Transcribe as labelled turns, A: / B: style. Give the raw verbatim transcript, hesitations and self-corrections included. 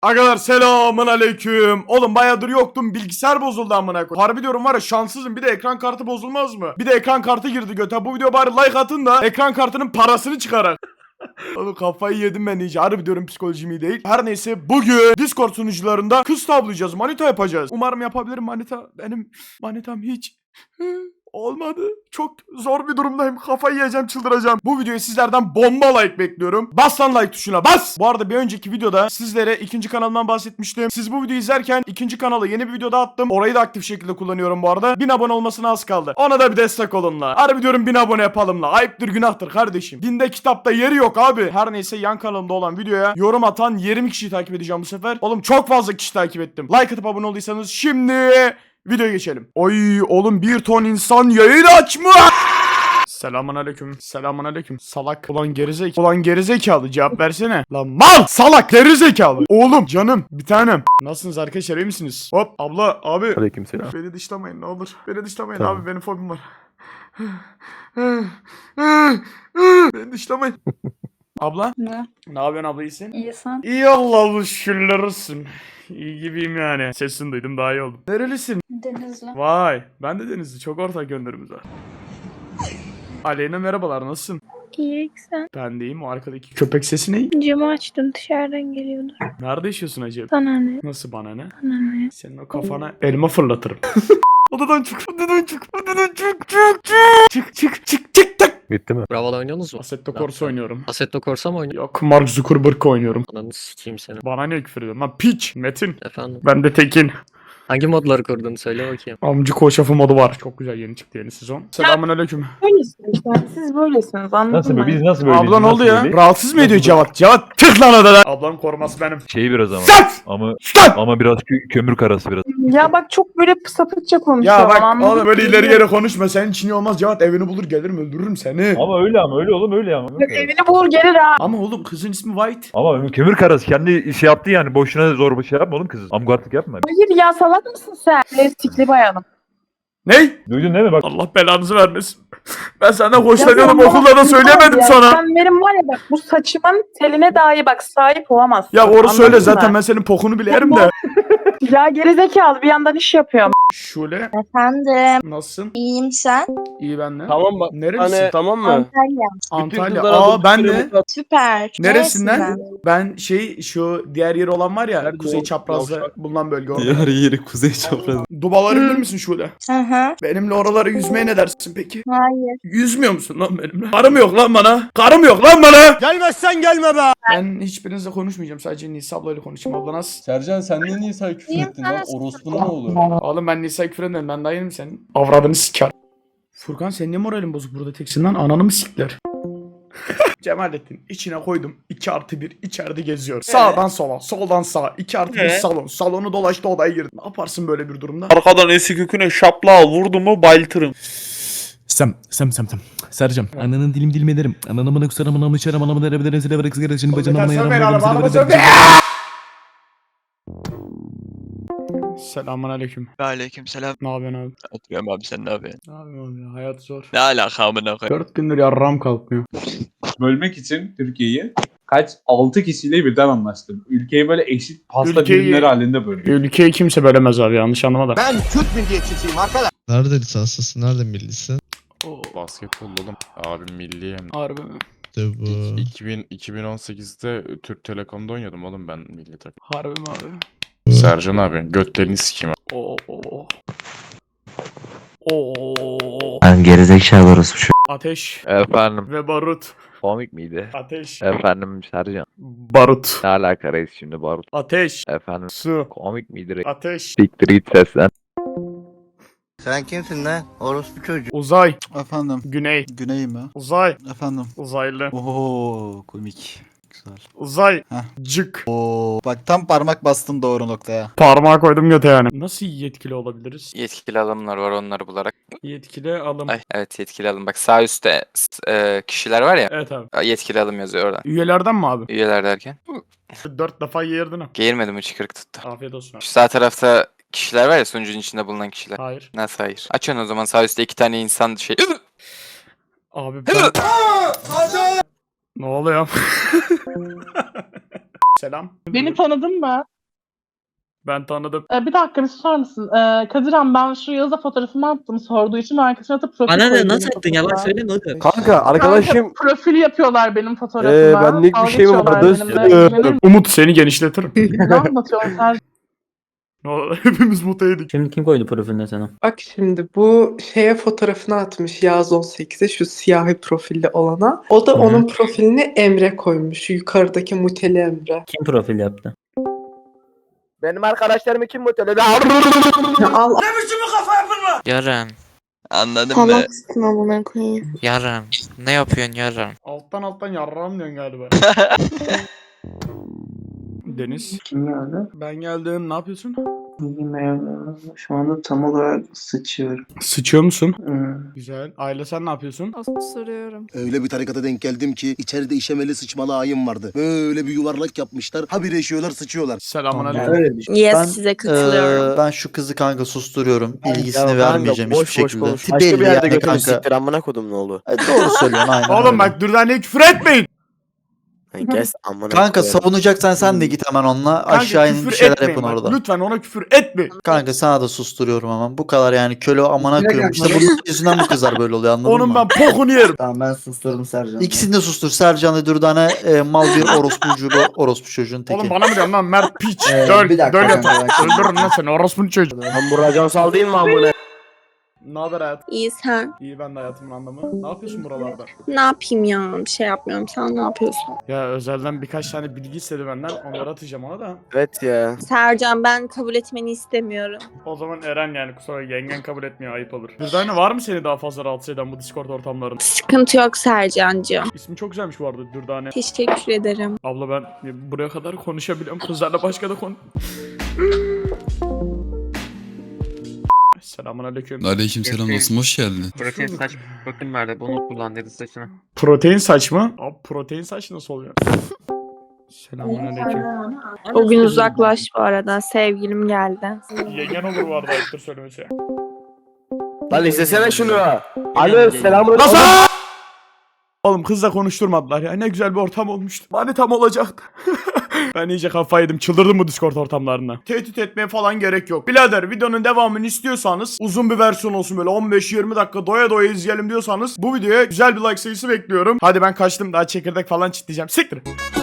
A: Arkadaşlar selamun aleyküm. Oğlum bayağıdır yoktum, bilgisayar bozuldu amına koyayım. Harbi diyorum var ya, şanssızım, bir de ekran kartı bozulmaz mı? Bir de ekran kartı girdi göte. Bu video bari like atın da ekran kartının parasını çıkarak. Oğlum kafayı yedim ben iyice. Harbi diyorum, psikolojim iyi değil. Her neyse, bugün Discord sunucularında kız tavlayacağız, manita yapacağız. Umarım yapabilirim manita. Benim manitam hiç olmadı. Çok zor bir durumdayım. Kafayı yiyeceğim, çıldıracağım. Bu videoyu sizlerden bomba like bekliyorum. Bas lan like tuşuna, bas. Bu arada bir önceki videoda sizlere ikinci kanalımdan bahsetmiştim. Siz bu videoyu izlerken ikinci kanalı yeni bir videoda attım. Orayı da aktif şekilde kullanıyorum bu arada. bin abone olmasına az kaldı. Ona da bir destek olun la. Harbi diyorum, bin abone yapalım la. Ayıptır günahtır kardeşim. Dinde kitapta yeri yok abi. Her neyse, yan kanalımda olan videoya yorum atan yirmi kişiyi takip edeceğim bu sefer. Oğlum çok fazla kişi takip ettim. Like atıp abone olduysanız şimdi videoya geçelim. Oy oğlum, bir ton insan yayın açmış. Selamun aleyküm. Selamun aleyküm. Salak. Ulan gerizekalı. Ulan gerizekalı, cevap versene. Lan mal. Salak gerizekalı. Oğlum canım bir tanem. Nasılsınız arkadaşlar, iyi misiniz? Hop abla abi.
B: Aleykümselam.
A: Beni dışlamayın ne olur. Beni dışlamayın
B: Tamam.
A: abi, benim fobim var. Beni dışlamayın. Abla.
C: Ne?
A: Ne yapıyorsun abla, iyisin?
C: İyi sen?
A: İyi Allah'ım şükürler olsun. İyi gibiyim yani. Sesini duydum, daha iyi oldum. Nerelisin?
C: Denizli.
A: Vay, ben de Denizli. Çok ortak yönlerimiz var. Aleyna merhabalar, nasılsın?
C: İyi sen?
A: Ben de iyiyim. O arkadaki köpek sesi ne?
C: Camı açtım, dışarıdan geliyordu.
A: Nerede yaşıyorsun acaba?
C: Sana ne?
A: Nasıl bana ne?
C: Sana ne?
A: Senin o kafana elma fırlatırım. Odadan çık, odadan çık, odadan çık, çık, çık. Çık, çık, çık, çık, çık.
B: Bitti mi?
D: Bravo'da oynuyorsunuz mu?
A: Assetto Corsa oynuyorum.
D: Assetto Corsa mı oynuyorsun?
A: Yok, Mark Zuckerberg oynuyorum.
D: Ananı sikeyim seni.
A: Bana ne küfür ediyorsun lan? Piç. Metin.
D: Efendim.
A: Ben de Tekin.
D: Hangi modları kurdun söyle bakayım.
A: Amcı koşafı modu var. Çok güzel, yeni çıktı yeni sezon. Selamünaleyküm.
E: Böylesiniz işte. Siz böylesiniz. Anladın
B: Nasıl
E: mı?
B: böyle? Biz nasıl böyle?
A: Abla ne oldu ya? Rahatsız mı
B: Nasıl
A: ediyor
B: böyle?
A: Cevat? Cevat tık lan odada. Ablam koruması benim.
B: Şeyi biraz ama.
A: Sat!
B: Ama
A: Sat!
B: ama biraz kö- kömür karası biraz.
E: Ya bak çok böyle sapıkça konuşuyor.
A: Ya bak
E: anladın
A: oğlum, böyle
E: mı?
A: ileri geri konuşma. Senin için iyi olmaz. Cevat evini bulur gelirim, öldürürüm seni.
B: Ama öyle ama öyle oğlum öyle ama.
E: Bak evini bulur gelir ha.
A: Ama oğlum kızın ismi White.
B: Ama kömür karası kendi şey yaptı yani boşuna zor bir şey yapma oğlum kızı. Amgartlık yapma.
E: Hayır ya, salak mısın sen? Lastikli bayanım.
A: Ney?
B: Duydun değil mi bak.
A: Allah belanızı vermesin. Ben senden hoşlanıyorum,
E: Ya sen
A: okulda da
E: bana-
A: söyleyemedim
E: ya,
A: sana.
E: Sen benim var ya bak, bu saçımın teline dahi bak sahip olamazsın.
A: Ya
E: Anladın
A: orası öyle
E: mı?
A: zaten, ben senin pokunu bile yerim de.
E: Ya gerizekalı, bir yandan iş yapıyorum.
A: Şule
F: Efendim,
A: nasılsın?
F: iyiyim sen.
A: İyi ben de.
G: Tamam bak.
A: Nerelisin?
G: Hani, tamam mı?
F: Antalya.
A: Antalya.
G: kızlara
A: Aa
G: bu
A: ben
G: süremi
A: de.
G: kat-
F: Süper.
A: Neresinden? Ben şey, şu diğer yeri olan var ya,
G: Nerede
A: kuzey
G: o?
A: çaprazda
G: Yavşak.
A: bulunan bölge orada.
H: Diğer yeri kuzey çapraz.
A: Dubaları bilir misin Şule?
F: Hı hı.
A: Benimle oralara yüzmeye ne dersin peki?
F: Hayır.
A: Yüzmüyor musun lan benimle? Karım yok lan bana. Karım yok lan bana. Gelmezsen gelme be. Ben hiçbirinizle konuşmayacağım. Sadece Nisa ablayla konuşayım. Abla nasıl?
H: Sercan sen niye Nisa'ya küfür
F: İyiyim,
H: ettin
F: sana
H: lan?
F: sorayım.
H: Orospunun mu olur?
A: Oğlum ben Nisa'ya küfür ederim. Ben daha yenim senin. Avradını siker. Furkan senin niye moralin bozuk burada teksin lan? Ananı mı sikler? Cemalettin içine koydum. iki artı bir içeride geziyor. Sağdan sola, soldan sağa. iki artı bir
G: Ee?
A: salon. Salonu dolaştı, odaya girdi. Ne yaparsın böyle bir durumda?
G: Arkadan eski köküne şapla vurdu mu bayıltırım.
H: Sem, sem, sem, sem. Sercan, ananın dilim dilim ederim. Ananı bana kusarım, anamı içerim, anamı dere bedere zile verek sigara için bacana bana yaram.
A: Yeter,
H: bana
A: sövmeyin
H: zile
A: abi,
H: verek
A: Selamun aleyküm.
G: Aleykümselam.
A: Ne yapıyorsun abi?
G: Oturuyorum abi sen ne yapıyorsun?
A: Ne yapıyorsun abi ya? Hayat zor.
G: Ne alaka amına koyayım?
A: Dört gündür yarram kalkmıyor.
I: Bölmek için Türkiye'yi kaç altı kişiyle birden anlaştım. Ülkeyi böyle eşit pasta
A: Ülkeyi-
I: dilimleri halinde böldüm.
A: Ülkeyi kimse bölemez abi, yanlış anlama da.
J: Nerede lisanslısın? Nerede millisin?
A: Oo,
K: Basketbol oğlum. Abim milli hem.
A: harbi mi?
J: İşte bu.
K: iki bin, iki bin on sekizde Türk Telekom'da oynuyordum oğlum ben milli takım.
A: Harbi mi abi?
K: Sercan abi götlerini sikeyim.
A: Oo. Oo. Oo.
D: Ben gerizekalı orası şu.
A: Ateş
D: Efendim
A: ve barut.
D: komik miydi?
A: Ateş.
D: Efendim Sercan.
A: Barut.
D: Ne alaka reis şimdi Barut?
A: Ateş.
D: Efendim
A: Su.
D: komik miydi reis?
A: Ateş.
D: Siktir git seslen.
F: Sen kimsin lan? Orospu çocuğu.
A: Uzay.
H: Efendim,
A: Güney.
H: güney mi?
A: Uzay.
H: Efendim.
A: Uzaylı.
H: Oho, komik. Güzel.
A: Uzay.
H: Heh.
A: Cık.
H: Oo, bak tam parmak bastın doğru noktaya.
A: Parmağı koydum göte yani. Nasıl yetkili olabiliriz?
L: Yetkili alımlar var, onları bularak.
A: Yetkili alım.
L: Ay evet, yetkili alım. Bak sağ üstte s- e, kişiler var ya.
A: Evet abi.
L: Yetkili alım yazıyor orada.
A: Üyelerden mi abi?
L: Üyeler derken.
A: Dört defa yerdin ha.
L: Geğirmedim, mi çıkırık tuttu.
A: Afiyet olsun abi.
L: Şu sağ tarafta kişiler var ya, sunucunun içinde bulunan kişiler.
A: Hayır.
L: Nasıl hayır? Açın o zaman, sağ üstte iki tane insan şey.
A: Abi ben... Ne oluyor? Selam.
E: Beni tanıdın mı?
A: Ben tanıdım.
E: Ee, bir dakika bir susar mısın? Ee, Kadirhan ben şu Yağız'a fotoğrafımı attım sorduğu için arkasına atıp profil
G: Bana ne
E: koydum
G: nasıl
E: benim
G: attın yalan
E: fotoğrafıma.
G: söyleme oğlum.
M: Kanka
E: Arkadaşım
M: arkadaşım
E: profil yapıyorlar benim fotoğrafıma.
M: Ee, benlik bir
E: Dalga
M: şey mi
E: geçiyorlar
M: vardı?
E: benimle. İnanır
A: Umut seni genişletirim.
E: mısın? Ne anlatıyorsun sen?
A: Ne oldu? Hepimiz mutlu yedik.
G: Şimdi kim koydu profiline sana?
E: Bak şimdi bu şeye fotoğrafını atmış Yağız on sekize şu siyahi profilli olana. O da onun profilini Emre koymuş. Yukarıdaki muteli Emre.
G: Kim profil yaptı?
M: benim arkadaşlarımı kim mutlu
E: Al
L: Yarın.
G: Anladın mı?
E: amına koyayım.
L: Yarın. Ne yapıyorsun yarın?
A: Alttan alttan yarram diyorsun galiba. Deniz.
E: Kim geldi?
A: Ben geldim. Ne yapıyorsun?
E: Şu anda tam olarak sıçıyorum.
A: Sıçıyor musun? Güzel. Aile sen ne yapıyorsun?
C: Soruyorum.
F: Öyle bir tarikata denk geldim ki içeride işemeli sıçmalı ayım vardı. Böyle bir yuvarlak yapmışlar. Habire işiyorlar sıçıyorlar.
A: Selamun aleyküm.
C: Yes
J: Ben,
C: size katılıyorum.
J: ben şu kızı kanka susturuyorum. İlgisini
M: Ya kanka,
J: vermeyeceğim
M: boş
J: hiçbir
M: boş
J: şekilde.
M: konuş. Başka bir
J: Belli
M: yerde
J: yani
M: götürün
J: kanka.
M: siktir amına kodum ne oldu?
J: E, doğru söylüyorsun aynen
A: Oğlum
J: öyle.
A: bak Dürdane'ye küfür etmeyin.
M: Kes amına
J: Kanka
M: koyarım.
J: savunacaksan sen de git hemen onunla.
A: Kanka
J: Aşağı inin
A: küfür
J: bir şeyler
A: etmeyin
J: yapın
A: bak.
J: orada.
A: Lütfen ona küfür etmeyin.
J: Kanka sana da susturuyorum hemen. Bu kadar yani köle amına koyuyorum. İşte bunun yüzünden bu kızlar böyle oluyor anladın
A: Onun
J: mı?
A: ben pokunu yerim.
E: Tamam ben susturdum Sercan.
J: İkisini de sustur. Sercan'la Dürdane e, mal bir orospu çocuğu, orospu çocuğun teki.
A: Oğlum bana mı diyorsun lan Mert piç.
E: Ee,
A: Döl,
E: bir dakika
A: döl
E: kanka,
A: yatır.
E: bak şimdi.
A: Öldürürüm lan seni orospunun çocuğu.
M: Lan bu racon sal değil mi amına?
A: Ne haber hayat?
C: İyi sen.
A: İyi ben de hayatımın anlamı. Ne yapıyorsun buralarda?
C: Ne yapayım ya? Bir şey yapmıyorum. Sen ne yapıyorsun?
A: Ya özelden birkaç tane bilgi istedi benden. Onları atacağım ona da.
M: Evet ya.
C: Sercan ben kabul etmeni istemiyorum.
A: O zaman Eren yani kusura yengen kabul etmiyor ayıp olur. Dürdane var mı seni daha fazla rahatsız eden bu Discord ortamlarında?
C: Sıkıntı yok Sercan'cığım.
A: İsmi çok güzelmiş bu arada Dürdane.
C: Teşekkür ederim.
A: Abla ben buraya kadar konuşabiliyorum. Kızlarla başka da konu... Selamun aleyküm.
K: Aleykümselam dostum hoş geldin.
L: Protein saç protein verdi. Bunu kullan dedi saçına.
A: Protein saç mı? Abi protein saç nasıl oluyor? Selamun aleyküm.
C: O gün uzaklaş bu arada. Sevgilim geldi.
A: Yengen olur bu arada ayıptır söylemesi.
M: Lan izlesene şunu. Alo selamun
A: Nasıl? Oğlum kızla konuşturmadılar ya. Ne güzel bir ortam olmuştu. Bari tam olacaktı. Ben iyice kafayı yedim. Çıldırdım bu Discord ortamlarına. Tehdit etmeye falan gerek yok. Birader videonun devamını istiyorsanız uzun bir versiyon olsun böyle on beş yirmi dakika doya doya izleyelim diyorsanız bu videoya güzel bir like sayısı bekliyorum. Hadi ben kaçtım daha çekirdek falan çitleyeceğim. Siktir.